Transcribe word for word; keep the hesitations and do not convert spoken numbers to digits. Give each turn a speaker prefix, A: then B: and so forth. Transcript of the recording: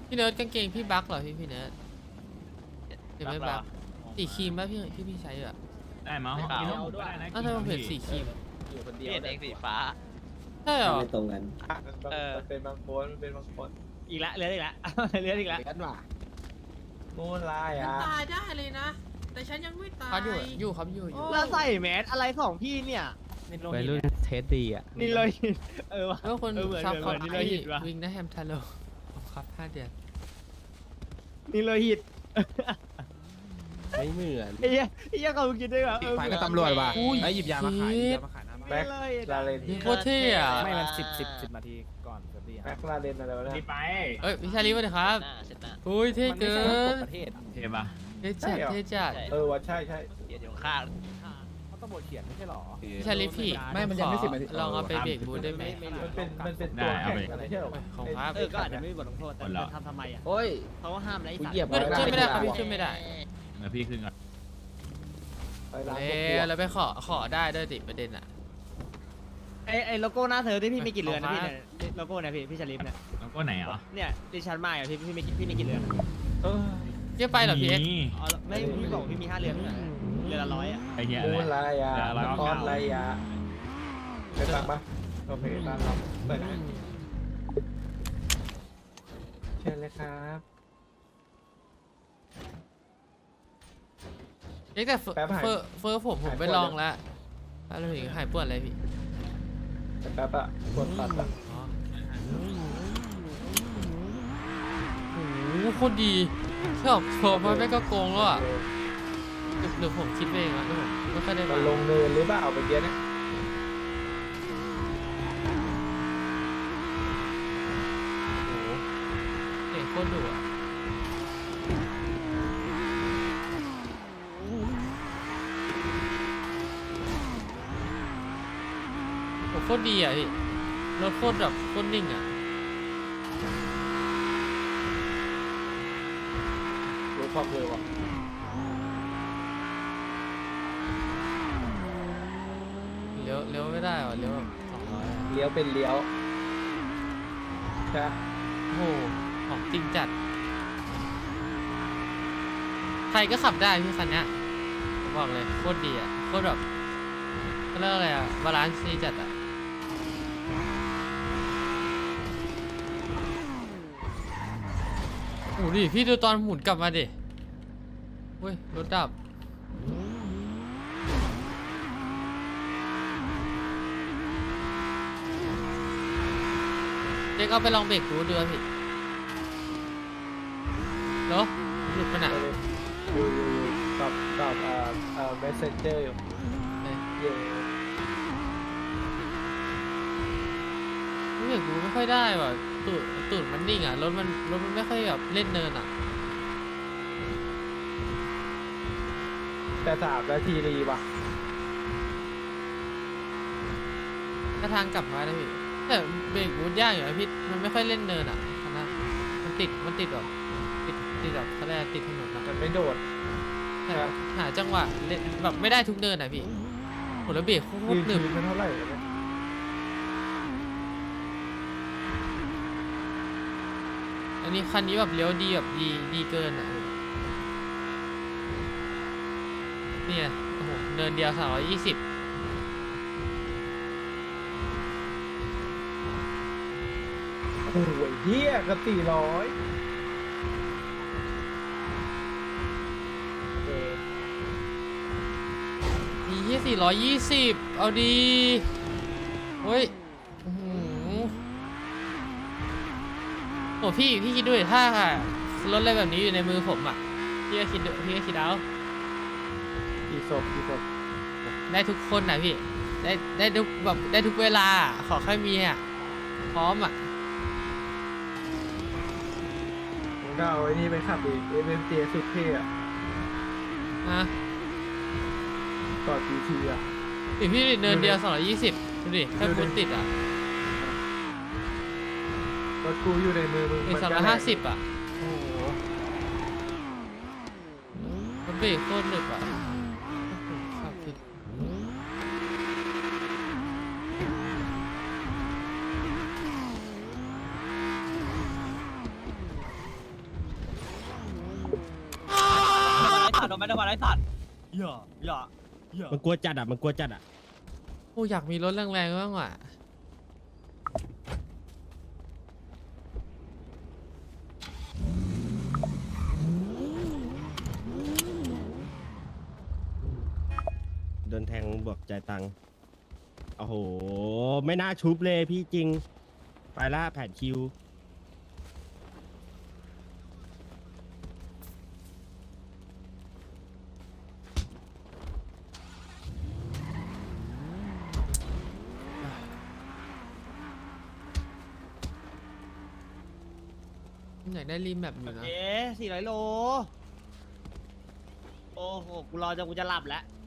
A: พี่เนิร์ดกางเกงพี่บั๊กเหรอพี่พี่เนิร์ดเดี๋ยวไม่บั๊กสีครีมป่ะพี่ที่พี่ใช้อ่ะ
B: ได้มั้งกินทั้งหมดก็ได้นะ
A: อ้าวทำไมผมเห็นสีครีม
C: อยู่คนเดียว
D: เห็นเองสีฟ้า
A: ใช่เหรอ
E: ไม่ตรงกัน
D: เออ
C: มันเป็นบางคนมันเป็นบางคน
B: อีกละเลือดอีกละเลือดอีกละ
C: กันว่ะมูนลายอ่ะ
F: ตายได้เลยนะ แต่ฉันยังไม่ตาย
A: เขาอยู่อยู่ครับอยู่อยู่
B: แล้วใส่แมสอะไรของพี่เนี่ย
C: วัยรุ่นเทสดีอ่ะ
B: นี่เลยเออวะ
A: แล้วคน
B: เออเหมือน
A: ซับ
B: เห
A: ค
B: มื
A: อ
B: อน
A: ม
B: นี่เลยหิตวะ
A: วิงนะแฮมทาโร่ครับห้าเดือน
B: นี่เลยหิต
C: ไม่เหมือน
B: ไอ้เหี้ยไอ้เหี้ยเขาคิดได้แบบ
C: อีกฝ่ายก็ตำรวจว่ะ
A: อุ้ย
C: ไอ้หยิบยามาขายหยิบยามาขายหน้าบ้านแบ็คลาเลน
A: โคตรเท่อะ
C: ไม่มันสิบสิบสิบนาทีก่อนจะดีแบ็คลาเลนอะไรวะเนี่ย
B: นี่ไป
A: เอ้ยวิชาลีมาเลยครับ
D: หน้าเสร็จหน้า
A: อุ้ยเท่เกิน
C: ประเทศ
B: เทปะ
A: เท่จัดเท่จัด
C: เออว่าใช่ใช่
D: เขียนอยู่ข้าง
C: เขาตำรวจเขียนไม่ใช่หรอ
A: วิชาลีพี่
C: ไม่มันยังไม่สิบนาที
A: ลองเอาไปเบรกบูธได้ไหม
C: มันเป็นมันเป็นตัวแข่งอะไรใช่หรอ
A: ของครับ
B: เออก็อาจจะไม่มีบทลงโทษแต่ทำทำไมอ่ะ
C: โอ้ย
B: เขาก็ห้ามแล้วไอ้สัตว์
C: เหยียบ
A: เพื่อนช่วยไม่ได้ครับพี่ช่วยไม่ได้
B: เดี๋ยวพี่ขึ้นก่อน
C: ไปร้าน
A: เอ๊ะแล้วไปขอขอได้ด้วยติประเด็นอ่ะ
B: ไอ้ไอ้โลโก้หน้าเธอที่พี่มีกี่เรือนนะพี่เนี่ยโลโก้เนี่ยพี่พี่ชลิปเนี่ย
G: แล้วก็ไหนอ่ะ
B: เนี่ยดิฉันมาอ่ะพี่พี่มีพี่มีกี่เรือน
C: เออ
A: เรียกไปเหรอพี่เอ็กซ์
B: อ๋อไม่พี่บอกพี่มีห้าเรือนไม่ใช่เรือนละร้อยอ่ะ
G: ไอ้เหี้ย
C: มู
G: อะไร
C: นลายอ่ะ
G: เดี๋ยวเรา
C: นครลายอ่ะไปฟังปะโอเคตามเราเปิดนะเชิญเลยครับ
A: เอ็กซ์แต่เฟอร์
C: แป๊บหาย
A: เฟอร์เฟอร์ผมผม
C: หาย
A: ไป
C: ปวด
A: ลองแล้วแล้วถึงหายปวดอะไรพี่
C: แต่แป๊บอะปวดปัดอะ
A: อ๋อโอ้โหโคตรดีชอบชอบมันไม่ก็โกงแล้วอ่ะหรือหรือผมคิดไปเองอ่ะหรือผมไม่ค่อยได้
C: มั
A: มาน
C: ลงเนินหรือเปล่าเมื่อกี้เนี่ย
A: โอ้โหเก่งโคตรดุอ่ะโอ้โคตรดีอ่ะพี่รถโคตรแบบโคตรนิ่งอ่ะ
C: รู้ความเร็วอ่ะ
A: เลี้ยวเลี้ยวไม่ได้ว่ะเลี้ยวแบบสองร้อย
C: เลี้ยวเป็นเลี้ยวใช่
A: โอ้โหของจริงจัดใครก็ขับได้พี่คันเนี้ยผมบอกเลยโคตรดีอ่ะโคตรแบบเขาเรียกอะไรอ่ะบาลานซ์ดีจัดอ่ะโอ้ดิพี่ดูตอนหมุนกลับมาดิเว้ยรถดับเด็กเอาไปลองเบรกดูดูอ่ะพี่เหรอหลุดไปไหน
C: อยู่อยู่อยู่ตอบตอบเอ่อเอ่อ messenger อยู่
A: เอ้ย
C: เย่
A: รู้สึกดูไม่ค่อยได้ว่ะตูดตูดมันนิ่งอ่ะรถมันรถมันไม่ค่อยแบบเล่นเนินอ่ะ
C: แต่สามนาทีรีว่ะ
A: ถ้าทางกลับมาได้พี่แต่เบรกบูทยากอยู่นะพี่มันไม่ค่อยเล่นเนินอ่ะคันนั้นมันติดมันติดแบบติดติดแบบเขาเรียกอะไรติดถนนอ่ะ
C: มันไม่โดด
A: แต่หาจังหวะเล่นแบบไม่ได้ทุกเนินอ่ะพี่โหแล้วเบรกโค
C: ยื
A: ต
C: น
A: รหนึบ
C: พื้นมันเท่าไหร่วะเนี่ย
A: อันนี้คันนี้แบบเลี้ยวดีแบบดีดีเกินอ่ะเนี่ยโอ้โหเนินเดียวสามร้อยยี่สิบ
C: โอ้ยเฮียกับสี่ร้อยโอเค
A: มีที่สี่ร้อยยี่สิบเอาดีเฮ้ยโอ้โหโอ้พี่พี่คิดดูดิถ้ารถอะไรแบบนี้อยู่ในมือผมอ่ะพี่ก็คิดดูพี่ก็คิดเอา
C: กี่ศพกี่ศพ
A: ได้ทุกคนนะพี่ได้ได้ทุกแบบได้ทุกเวลาขอแค่มีอ่ะพร้อมอ่ะ
C: ผมก็เอาไอ้นี่ไปขับอีก เอ็ม เอ็ม เจ สุดเท่อะ
A: ฮะ
C: ต่อ จี ที อ่ะ
A: อีพี่เนินเดียวสองร้อยยี่สิบดูดิแค่คุณติดอ่ะ
C: รถกูอยู่ในมือมึง
A: อีกสองร้อยห้าสิบอ่ะโอ้โหมันเบรกโคตรหนึบอ่ะขับผิด
B: ไม่ได้มาไร้สัตว์อย่าอย่าอย่า
E: มันกลัวจัดอ่ะมันกลัวจัดอ่ะ
A: โอ้อยากมีรถแรงๆบ้างว่ะ
E: โดนแทงบวกจ่ายตังค์โอ้โหไม่น่าชุบเลยพี่จริงไปละแผนคิว
A: อยากได้รีแมปอยู่นะ
B: เอ๊ะสี่ร้อยโล โอ้โห กูรอจนกูจะหลับแล้ว